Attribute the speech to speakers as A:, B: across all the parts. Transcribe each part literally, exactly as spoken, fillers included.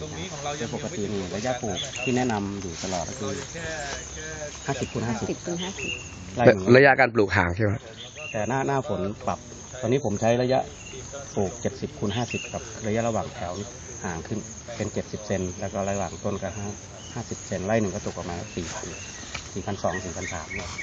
A: โดยปกตินี่ระยะปลูกที่แนะนำอยู่ตลอดก็คือห้าสิบคูณห้าสิบคูณห้าสิบ
B: ระยะการปลูกห่างใช่ไหม
A: แต่หน้าหน้าฝนปรับตอนนี้ผมใช้ระยะปลูกเจ็ดสิบคูณห้าสิบกับระยะระหว่างแถวห่างขึ้นเป็นเจ็ดสิบเซนแล้วก็ระหว่างต้นก็ห้าห้าสิบเซนไร่หนึ่งก็ตกประมาณสี่พันสี่พันสองสี่พันสามเนี่ย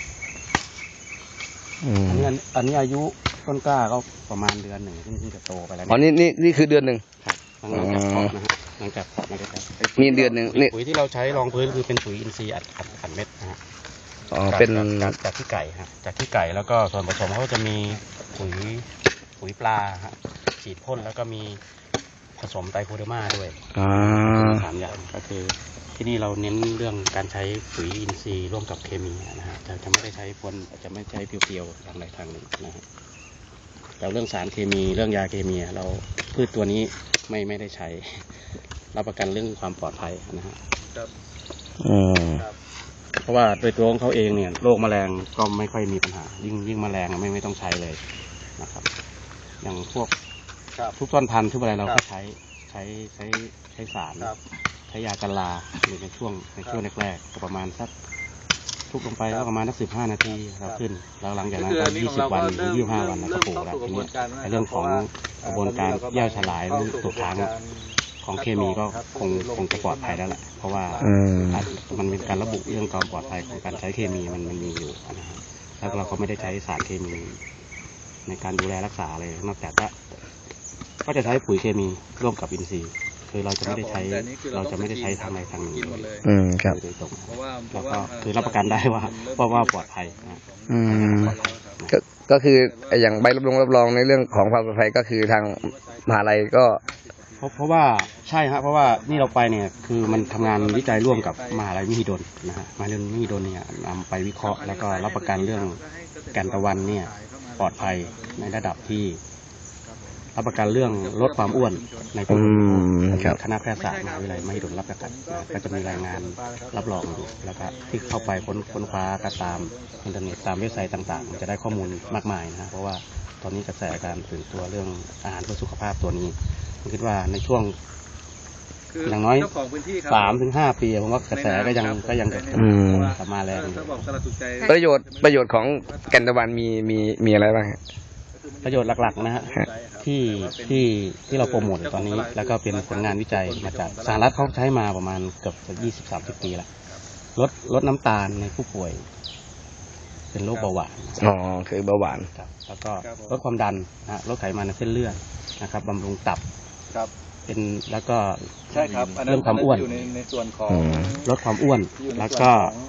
A: อันนี้อันนี้อายุต้นกล้าก็ประมาณเดือนหนึ่งที่จะโตไปแล้ว
B: อ๋อนี่นี่นี่คือเดือนหนึ่ง
A: หลังจากเพาะนะฮะหลังจากเพาะมันก็จะ
B: มีเดือนหนึ่งนี่
A: ปุ๋ยที่เราใช้รองพื้นคือเป็นปุ๋ยอินทรีย์อัดอัดเม็ดนะฮะ
B: อ๋อเป็น
A: จากที่ไก่ฮะจากที่ไก่แล้วก็ส่วนผสมเขาจะมีปุ๋ยปุ๋ยปลาฮะฉีดพ่นแล้วก็มีผสมไตรโคเดอร์มาด้วย
B: อ่า
A: สามอย่างก็คือที่นี่เราเน้นเรื่องการใช้ปุ๋ยอินทรีย์ร่วมกับเคมีนะฮะจะจะไม่ได้ใช้พ่นจะไม่ใช้เพียวๆทางใดทางหนึ่งนะฮะแต่เรื่องสารเคมีเรื่องยาเคมีเราพืชตัวนี้ไม่ไม่ได้ใช้รับประกันเรื่องความปลอดภัยนะฮะ
B: อืม
A: เพราะว่าโดยตัวของเขาเองเนี่ยโรคแมลงก็ไม่ค่อยมีปัญหายิ่งยิ่งแมลงไม่ไม่ต้องใช้เลยนะครับอย่างพวกทุกต้นพันธุ์ทุกอะไรเราก็ใช้ใช้ใช้ใช้สารใช้ยากันราในช่วงในช่วงแรกๆก็ประมาณสักทุกลงไปก็ประมาณสักสิบห้านาทีเราขึ้นแล้วหลังจากนั้นก็ยี่สิบวันหรือยี่สิบห้าวันเราก็ปลูกแล้วทีนี้ในเรื่องของกระบวนการย่อยสลายหรือตกค้างของเคมีก็คงคงจะปลอดภัยแล้วแหละเพราะว่ามันเป็นการระบุเรื่องความปลอดภัยของการใช้เคมีมันมันมีอยู่นะฮะแล้วเราก็ไม่ได้ใช้สารเคมีในการดูแลรักษาเลยนอกจากว่าก็จะใช้ปุ๋ยเคมีร่วมกับอินทรีย์คือเราจะไม่ได้ใช้เราจะไม่ได้ใช้ทางใดทางหนึ่งเลย
B: อืมครับ
A: โดยตรงแล้วก็คือรับประกันได้ว่าเพราะว่าปลอดภัยนะ
B: อืมก็ก็คืออย่างใบรับรองรับรองในเรื่องของความปลอดภัยก็คือทางมหาลัยก็
A: เพราะเพราะว่าใช่ฮะเพราะว่านี่เราไปเนี่ยคือมันทำงานวิจัยร่วมกับมหาลัยมหิดลนะฮะมหาลัยมหิดลเนี่ยนำไปวิเคราะห์แล้วก็รับประกันเรื่องแก่นตะวันเนี่ยปลอดภัยในระดับที่รับประกันเรื่องลดความอ้วนในผู้บริโภคคณะแพทยศาสตร์มหาวิทยาลัยมหิดลรับประกันก็จะมีรายงานรับรองอยู่แล้วก็ที่เข้าไปค้นค้นคว้าก็ตามอินเทอร์เน็ตตามเว็บไซต์ต่างๆจะได้ข้อมูลมากมายนะเพราะว่าตอนนี้กระแสการตื่นตัวเรื่องอาหารเพื่อสุขภาพตัวนี้ผมคิดว่าในช่วงอย่างน้อยสามถึงห้าปีผมว่ากระแสก็ยังก็ยังกลับมาแรง
B: ประโยชน์ประโยชน์ของแก่นตะวันมีมีมีอะไรบ้าง
A: ประโยชน์หลักๆนะฮะที่ที่ที่เราโปรโมทตอนนี้แล้วก็เป็นผลงานวิจัยมาจากสหรัฐเขาใช้มาประมาณเกือบจะยี่สิบสามสิบปีละลดลดน้ำตาลในผู้ป่วยเป็นโรคเบาหวาน
B: อ๋อคือเบาหวาน
A: ครับแล้วก็ลดความดันนะลดไขมันในเส้นเลือดนะครับบำรุงตับครับเป็นแล้วก็
C: ใช่ครับ
A: เรื่องความอ้วน
C: อยู่ในในส่วนของ
A: ลดความอ้วนแล้วก็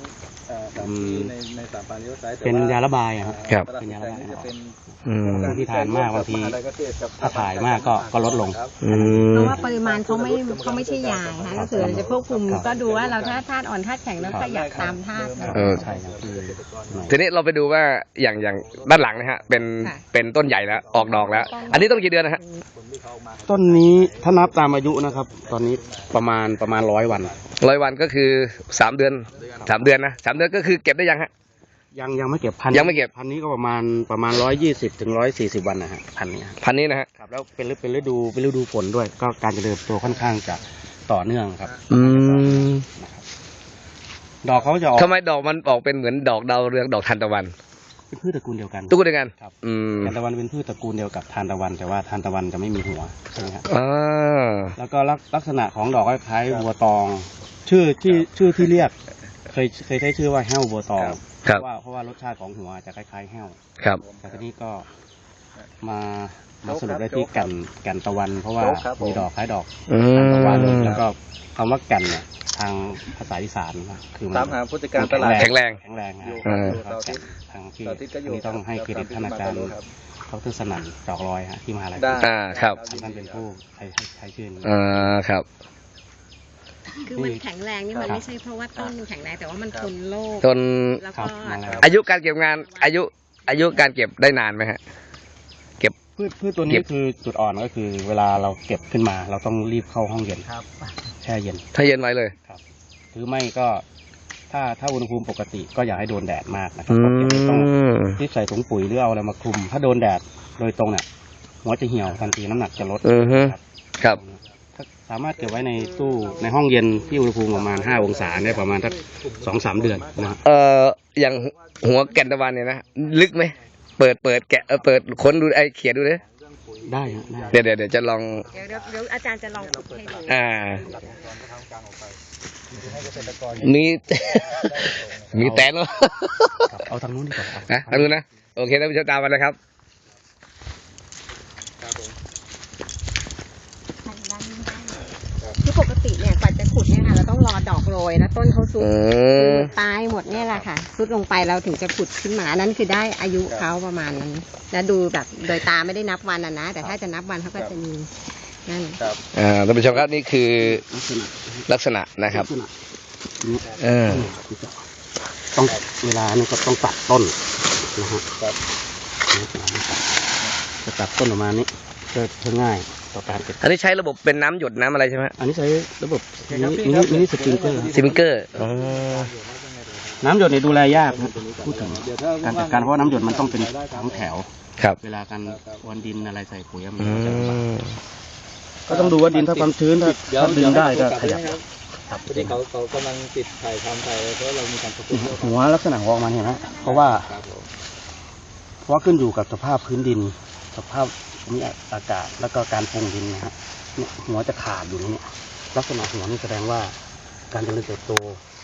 A: เป็นยาระบาย
B: ครับ
A: เป็นยาระบายที่ทานมากบางทีถ้าถ่ายมากก็ก็ลดลง
D: เพราะว่าปริมาณเขาไม่เขาไม่ใช่ยาค่ะก็คือจะควบคุมก็ดูว่าเราถ้าธาตุอ่อนธาตุแข็งแล้วก็อยากตามธาตุ
A: ใช่
B: ทีนี้เราไปดูว่าอย่างอย่างด้านหลังนะฮะเป็นเป็นต้นใหญ่แล้วออกดอกแล้วอันนี้ต้นกี่เดือนนะฮะ
A: ต้นนี้ถ้านับตามอายุนะครับตอนนี้ประมาณประมาณร้อยวัน
B: ร้อยวันก็คือสามเดือนสามเดือนนะสามเดือนก็คือเก็บได้ยังฮะ
A: ยังยังไม่เก็บพัน
B: ยังไม่เก็บ
A: พันนี้ก็ประมาณประมาณร้อยยี่สิบถึงร้อยสี่สิบวันนะฮะพันนี้
B: พันนี้นะฮะ
A: ครับแล้วเป็นเป็นฤดูเป็นฤดูฝนด้วยก็การเจริญตัวค่อนข้างจะต่อเนื่องครับ
B: อืม
A: ดอกเขาจะออก
B: ทำไมดอกมันออกเป็นเหมือนดอกดาวเรืองดอกทานตะวัน
A: เป็นพืชตระกูลเดียวกัน
B: ตระกูลเดียวกัน
A: ครับอืมทานตะวันเป็นพืชตระกูลเดียวกับทานตะวันแต่ว่าทานตะวันจะไม่มีหัวใช่ไหมครับ
B: อ่า
A: แล้วก็ลักษณะของดอกคล้ายๆบัวตองชื่อที่ชื่อที่เรียกเคยเคยใช้ชื่อว่าแห้วบัวตองเพราะว่าเพราะว่ารสชาติของหัวจะคล้ายๆแห้ว
B: ครับ
A: แต่ทีนี้ก็มามาสรุปได้ที่กันกันตะวันเพราะว่ามีดอกคล้ายดอกตะวันแล้วก็คำว่ากันเนี่ยทางภาษาอีสานคือมัน
B: แข็งแรง
A: แข็งแรงทางที่นี่ต้องให้เครดิตท่านอาจารย์เขาคือสนั่นดอกลอยฮะที่มหาลัย
B: อ่าครับ
A: ท่านเป็นผู้ใช้ใช้ชื่อนี้
B: อ่าครับ
D: คือมันแข็งแรงนี่มันไม่ใช่เพราะว่าต้นแข็งแรงแต่ว่ามันทนโรค
B: ทน
D: แล้วก็
B: อายุการเก็บงานอายุอายุการเก็บได้นานไหมฮะเก็บ
A: พืชพืชตัวนี้คือจุดอ่อนก็คือเวลาเราเก็บขึ้นมาเราต้องรีบเข้าห้องเย็นแช่เย็น
B: ถ้าเย็นไว้เลย
A: ครับหรือไม่ก็ถ้าถ้าอุณหภูมิปกติก็อย่าให้โดนแดดมากนะครับต้องรีบใส่ถุงปุ๋ยหรือเอาอะไรมาคลุมถ้าโดนแดดโดยตรงเนี่ยหัวจะเหี่ยวทันทีน้ำหนักจะลด
B: ครับ
A: ถสามารถเก็บไว้ในตู้ในห้องเย็นที่อุณหภูมิประมาณห้าองศาได้ประมาณสักสองสามเดือนนะครับ
B: เอ่ออย่างหัวแก่นตะวันเนี่ยนะลึกไหมเปิดเปิดแกะเออเปิดค้นดูไอ้เขียนดูเลย
A: ได้ฮะได้
B: เดี๋ยวเดี๋ยวเดี๋ยวจะลอง
D: เดี๋ยวเดี๋ยวเดี๋ยวอาจารย์จะลองขุดให้ดู
B: อ่า มี มีแตนเหรอ
A: ครับเอาทางนู้นดีกว่า
B: นะทางนู้นนะ โอเคท่านผู้ชมตามมาเลยครับ
D: คือปกติเนี่ยกว่าจะขุดเนี่ยค่ะเราต้องรอดอกโรยแล้วต้นเขาซุด
B: อืม
D: ตายหมดเนี่ยแหละค่ะซุดลงไปเราถึงจะขุดขึ้นมานั้นคือได้อายุเขาประมาณนั้นแล้วดูแบบโดยตาไม่ได้นับวันอะนะแต่ถ้าจะนับวันเขาก็จะมีนั่น
B: อ่าท่านผู้ชมครับนี่คือ
A: ลักษณะ
B: ลักษณะนะครับ
A: ลักษณะนี้
B: เออ
A: ต้องเวลานี่ก็ต้องตัดต้นนะฮะจะตัดต้นออกมานี้เพื่อง่ายต่อการเก็บ
B: อันนี้ใช้ระบบเป็นน้ำหยดน้ำอะไรใช่ไหม
A: อันนี้ใช้ระบบมินิมินิมินิสปริงเกอร์
B: ซิมเกอร์อ๋อ
A: น้ำหยดเนี่ยดูแลยากนะพูดถึงการจัดการเพราะว่าน้ำหยดมันต้องเป็นทั้งแถว
B: ครับ
A: เวลาการวันดินอะไรใส่ปุ๋ยมัน
B: อื
A: ก็จะลำบาก
B: ม
A: ก็ต้องดูว่าดินถ้าความชื้นถ้าถ้าดึงได้ก็ขยับ
C: ครับพอดีเขาเขากำลังติดถ่ายทำไปเพราะเรามีการประกวด
A: หัวลักษณะหัวออกมาเห็นไหมเพราะว่า
C: ครับผม
A: เพราะว่าขึ้นอยู่กับสภาพพื้นดิน สภาพภูมิอากาศแล้วก็การปรุงดินนะฮะเนี่ยหัวจะขาดอยู่นี่เนี่ยลักษณะหัวนี่แสดงว่าการเจริญเติบโต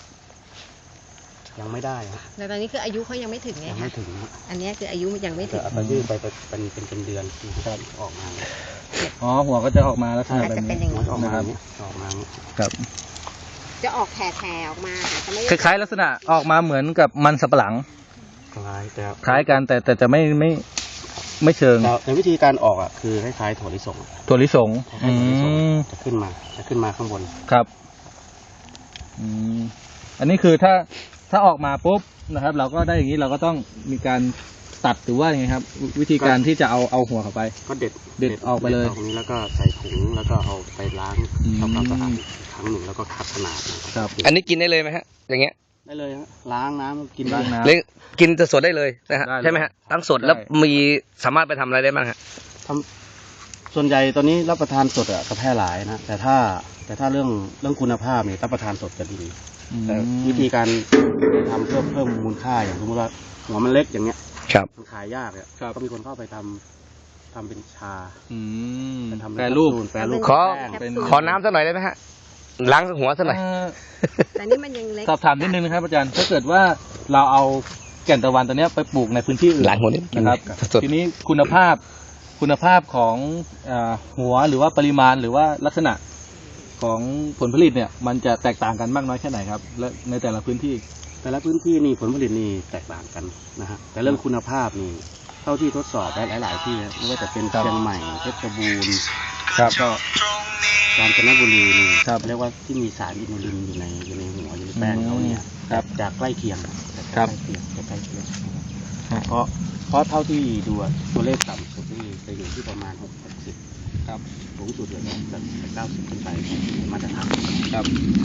A: ยังไม่ได้ฮะ
D: แต่ตอนนี้คืออายุเขายังไม่ถึงไง
A: ยัง
D: คะ
A: ไม่ถึงฮะ
D: อันนี้คืออายุยังไม่ถึ
A: แต่
D: ง
A: เอาไปยืดไปเป็นเป็นเป็นเดือนที่ออกมาเนี่ย
C: อ๋อหัวก็จะออกมาลักษณะ
D: อาจ
C: แบบ
D: จะเป็น
C: นี้
D: อย่าง
A: หัว
D: นี้
A: จะออกมาอย่างนี้ออกมาอย่างนี้
C: ครับ
D: จะออกแผ่ๆออกมาค่ะจะไม่
C: คล้ายๆลักษณะออกมาเหมือนกับมันสับปะหลัง
A: คล้ายแต่
C: คล้ายกันแต่แต่จะไม่ไม่ไม่เชิง
A: แต่ในวิธีการออกอ่ะคือคล้ายๆถั่วลิสง
C: ถั่วลิสง
A: คล้ายๆถั่วลิสง
C: อืม
A: จะขึ้นมาจะขึ้นมาข้างบน
C: ครับอืมอันนี้คือถ้าถ้าออกมาปุ๊บนะครับ เราก็ได้อย่างนี้เราก็ต้องมีการตัดหรือว่ายังไงครับ วิธีการที่จะเอาเอาหัวเข้าไป
A: ก็เด็ด
C: เด็ดออกไปเลย
A: ตรงนี้แล้วก็ใส่ถุงแล้วก็เอาไปล้าง
C: อืม
A: ทำความสะอาดอีกครั้งหนึ่งแล้วก็คัดขนาดนะค
C: ครั
A: รับ
B: อันนี้กินได้เลยไหมฮะ อย่างเงี้ย
A: ได้เลยฮะล้างน้ำกิน
C: ล้าง
A: ได้
C: น้ำ
B: เลยกินสดๆได้เลยนะฮะ
C: ได้เลย
B: ใช่ไหมฮะทั้งสดแล้ว
C: ได้
B: มีสามารถไปทำอะไรได้บ้างฮะ
A: ทำส่วนใหญ่ตอนนี้รับประทานสดอะจะแพร่หลายนะแต่ถ้าแต่ถ้าเรื่องเรื่องคุณภาพเนี่ยรับประทานสดจะดี
C: อืม
A: แต่วิธีการทำเพิ่มเพิ่มมูลค่าอย่างสมมติว่าหัวมันเล็กอย่างเงี้ย
B: ครับ
A: มันขายยากเนี่ย
C: ครับ
A: ก็มีคนเข้าไปทำทำเป็นชา
C: อืม
A: ไปทำเป็น
C: แปรรูป
A: แคปซูลแปรรูป
B: ขอ
A: แป้ง
C: เป็น
B: ขอน้ำสักหน่อยได้ไหมฮะ ล้างหัวสักหน่อย
C: เอ่อ
D: แต่นี่มันยังเล็ก
C: สอบถามนิดนึงนะครับอาจารย์ถ้าเกิดว่าเราเอาแก่นตะวันตัวเนี้ยไปปลูกในพื้นที่อื่น
B: ล้างหัวนิด
C: นะครับ
B: สด
C: ทีนี้คุณภาพคุณภาพของเออหัวหรือว่าปริมาณหรือว่าลักษณะของผลผลิตเนี่ยมันจะแตกต่างกันมากน้อยแค่ไหนครับ และในแต่ละพื้นที่
A: แต่ละพื้นที่นี่ผลผลิตนี่แตกต่างกันนะฮะแต่เรื่องคุณภาพนี่เท่าที่ทดสอบได้หลาย ๆ ที่นะไม่ว่าจะเป็น
C: ครับ
A: เชียงใหม่เพชรบูรณ์
C: ครับ
A: ก็กาญจนบุรีนี่
C: ครับ
A: เรียกว่าที่มีสารอินูลินอยู่ในอยู่ในหัวอยู่ในแป้งเขาเนี่ย
C: ครับ
A: จะใกล้เคียงจะ
C: ครั
A: ใก
C: บ
A: ล้เคียงจะใกล้เคียงเพราะเพราะเท่าที่ดูอะตัวเลขต่ำสุดนี่จะอยู่ที่ประมาณหกสิบ
C: ครับ
A: สูงสุดเลยนะจะเก้าสิบขึ้นไปมาตรฐาน
C: ครับ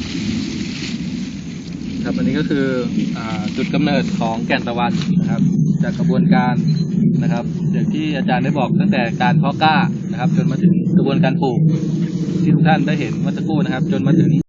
C: ครับอันนี้ก็คืออ่าจุดกำเนิดของแก่นตะวันนะครับ จากกระบวนการนะครับอย่างที่อาจารย์ได้บอกตั้งแต่การเพาะกล้านะครับ จนมาถึงกระบวนการปลูกที่ทุกท่านได้เห็นเมื่อสักครู่นะครับ จนมาถึง